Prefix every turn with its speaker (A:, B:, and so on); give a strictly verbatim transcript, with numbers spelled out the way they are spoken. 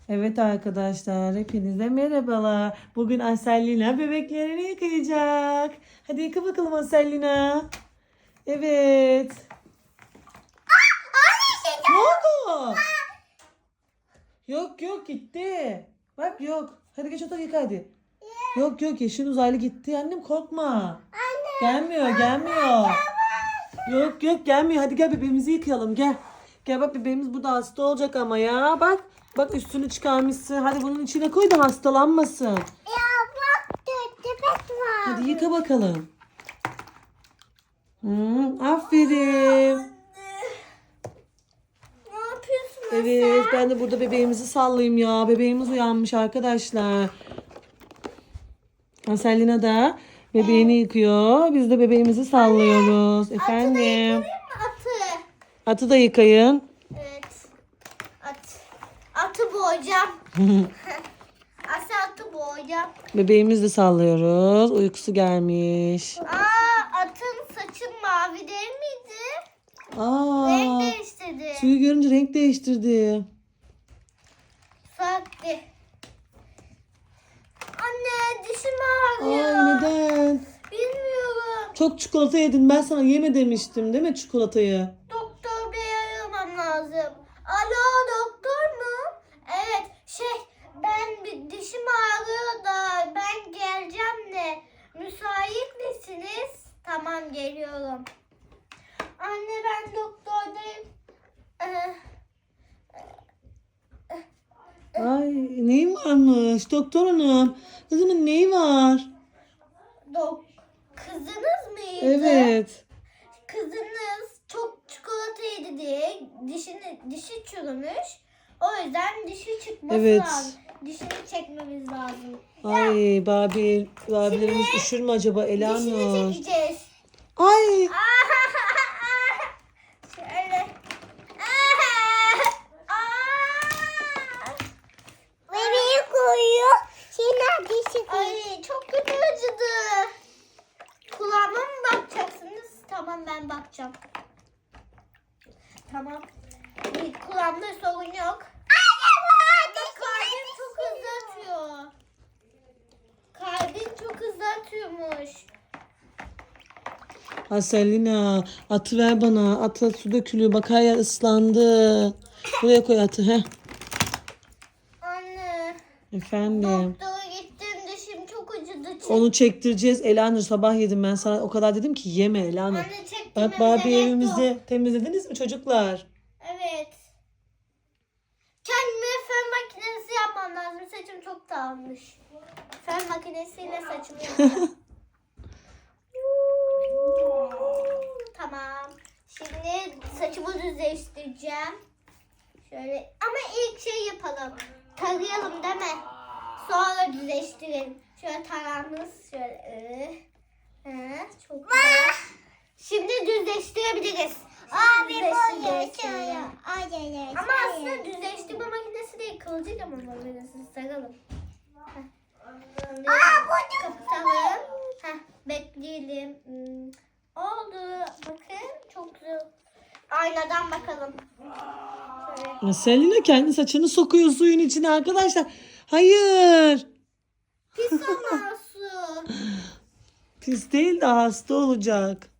A: Evet arkadaşlar, hepinize merhabalar. Bugün Asellina bebeklerini yıkayacak. Hadi yıka bakalım Asellina. Evet. Ne oldu? Yok yok gitti. Bak yok. Hadi geç otur yıka hadi. Yok yok yeşil uzaylı gitti. Annem korkma. Gelmiyor gelmiyor. Yok yok gelmiyor. Hadi gel bebeğimizi yıkayalım gel. Gel bak bebeğimiz burada hasta olacak ama ya. Bak bak üstünü çıkarmışsın. Hadi bunun içine koy da hastalanmasın.
B: Ya bak tepet var.
A: Hadi yıka bakalım. Hmm, aferin.
B: Ne yapıyorsun
A: Evet
B: sen?
A: ben de burada bebeğimizi sallayayım ya. Bebeğimiz uyanmış arkadaşlar. Aselina da bebeğini yıkıyor. Biz de bebeğimizi sallıyoruz.
B: Atı da
A: Efendim.
B: yıkayayım mı atı?
A: Atı da yıkayın.
B: Evet. At. Atı boğacağım. Asya atı boğacağım.
A: Bebeğimizi de sallıyoruz. Uykusu gelmiş.
B: Aa atın saçı mavi değil miydi? Renk
A: Aa,
B: değiştirdi.
A: suyu görünce renk değiştirdi.
B: Sattı. Anne dişim
A: Ay
B: ağrıyor.
A: neden?
B: Bilmiyorum.
A: Çok çikolata yedin. Ben sana yeme demiştim değil mi çikolatayı?
B: Doktor bey aramam lazım. Alo doktor mu? Evet şey ben bir dişim ağrıyor da ben geleceğim de müsait misiniz? Tamam geliyorum. Anne ben doktordayım. Ee,
A: Ay neyin varmış doktor hanım? Kızımın neyi var?
B: dok kızınız mıydı?
A: Evet.
B: Kızınız çok çikolata yedi diye dişini dişi çürümüş. O yüzden dişi çıkması
A: Evet.
B: lazım. Dişini çekmemiz lazım.
A: Ay Babil, Babil'imiz üşür mü acaba
B: Dişini
A: Elanur?
B: çekeceğiz.
A: Ay
B: Şöyle. Bebeği koyuyor. Şimdi dişi Ay çok kötü acıdı. Kulağıma mı bakacaksınız? Tamam ben bakacağım. Tamam. Bir kulağımda sorun yok. Ama kalbim çok hızlı atıyor. Kalbim çok hızlı atıyormuş.
A: Aselina atı ver bana. Atı su dökülüyor. Bak her yer ıslandı. Buraya koy atı. Heh.
B: Anne.
A: Efendim.
B: Doktora gittim dişim çok acıdı. Çek-
A: Onu çektireceğiz. Elanur sabah yedim ben sana. O kadar dedim ki yeme Elanur.
B: Anne çektirmemize
A: Bak Barbie
B: gerek yok.
A: evimizi temizlediniz mi çocuklar?
B: Evet. Kendime fön makinesi yapmam lazım. Saçım çok dağılmış. Fön makinesiyle saçımı yapacağım. Tamam. Şimdi saçımı düzleştireceğim. Şöyle ama ilk şey yapalım. Tarayalım değil mi? Sonra düzleştirelim. Şöyle taramız şöyle. Hı, çok güzel. Şimdi düzleştirebiliriz. Abi düzleştirelim. Ama aslında düzleştirme makinesi değil, kıvırcık makinesi. Saralım. Şimdi kapatalım. Heh, bekleyelim. Hmm, oldu. Bakın çok güzel. Aynadan bakalım. Şöyle.
A: Selina kendi saçını sokuyor suyun içine arkadaşlar. Hayır.
B: Pis ama su.
A: Pis değil de hasta olacak.